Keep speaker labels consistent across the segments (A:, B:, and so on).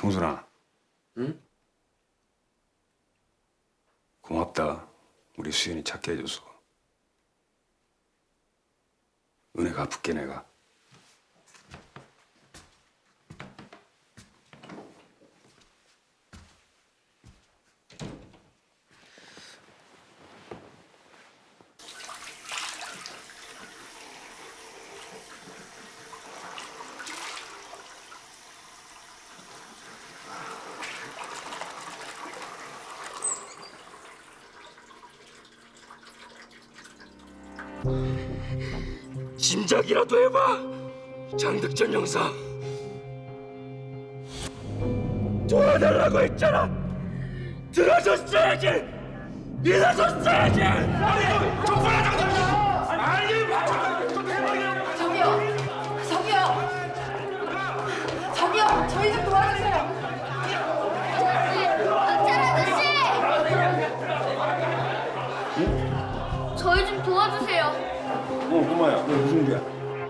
A: 성순아.
B: 응?
A: 고맙다. 우리 수연이 찾게 해줘서. 은혜 갚을게 내가.
B: 짐작이라도 해봐. 장득전 형사 도와달라고 했잖아. 들어줬어야지. 믿어줬어야지. 아니 정말
C: 저기요, 저희 좀 도와주세요.
D: 저희 좀 도와주세요.
A: 꼬마야. 너 무슨 일이야?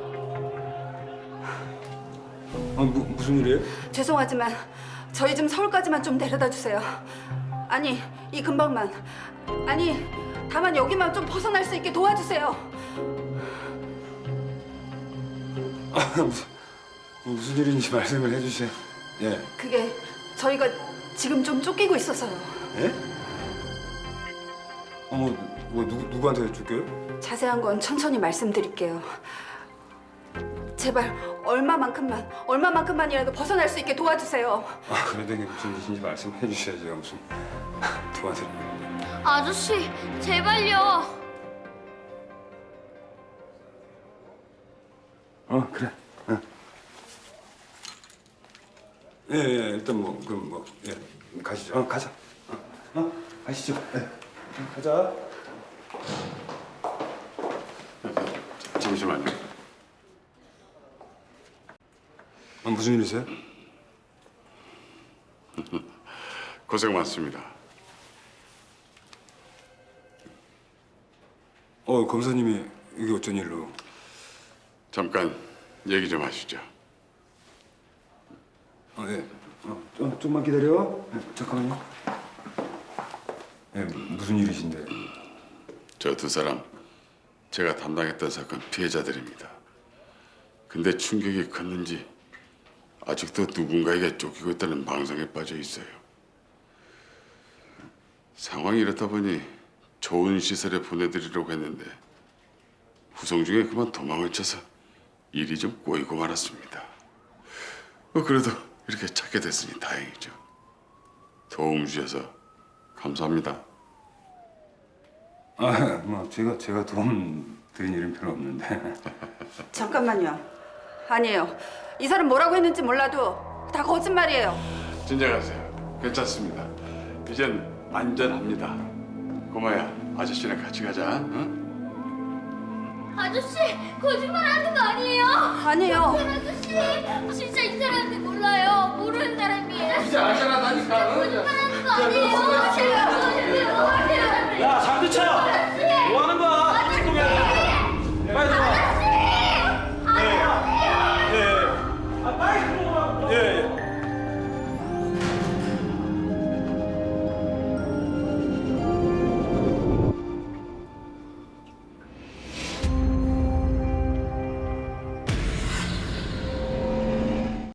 A: 무슨 일이에요?
C: 죄송하지만 저희 좀 서울까지만 좀 데려다 주세요. 아니, 이 근방만. 아니, 다만 여기만 좀 벗어날 수 있게 도와주세요.
A: 무슨 일인지 말씀을 해주세요. 예.
C: 그게 저희가 지금 좀 쫓기고 있어서요.
A: 예? 누구한테 줄게요?
C: 자세한 건 천천히 말씀드릴게요. 제발 얼마만큼만이라도 벗어날 수 있게 도와주세요.
A: 그래도 이게 무슨 일인지 말씀해 주셔야지. 제가 무슨 도와드리는데.
D: 아저씨, 제발요.
A: 그래. 예, 일단 그럼 예, 가시죠. 가자. 가시죠. 예. 가자. 잠시만요. 무슨 일이세요?
E: 고생 많습니다.
A: 검사님이 이게 어쩐 일로?
E: 잠깐 얘기 좀 하시죠.
A: 예. 좀만 기다려. 잠깐만요. 예, 무슨 일이신데?
E: 저 두 사람 제가 담당했던 사건 피해자들입니다. 근데 충격이 컸는지 아직도 누군가에게 쫓기고 있다는 망상에 빠져 있어요. 상황이 이렇다 보니 좋은 시설에 보내드리려고 했는데 후송 중에 그만 도망을 쳐서 일이 좀 꼬이고 말았습니다. 그래도 이렇게 찾게 됐으니 다행이죠. 도움 주셔서 감사합니다.
A: 제가 도움 드린 일은 별로 없는데.
C: 잠깐만요. 아니에요. 이 사람 뭐라고 했는지 몰라도 다 거짓말이에요.
E: 진정하세요. 괜찮습니다. 이젠 안전합니다. 고마야, 아저씨랑 같이 가자. 응?
D: 아저씨, 거짓말하는 거 아니에요?
C: 아니에요.
D: 아저씨, 진짜 이 사람인지 몰라요. 모르는 사람이에요.
B: 이제 안전하다니까.
D: 거짓말하는 거 아니에요. 제발 도와주세요.
B: 야 장두철.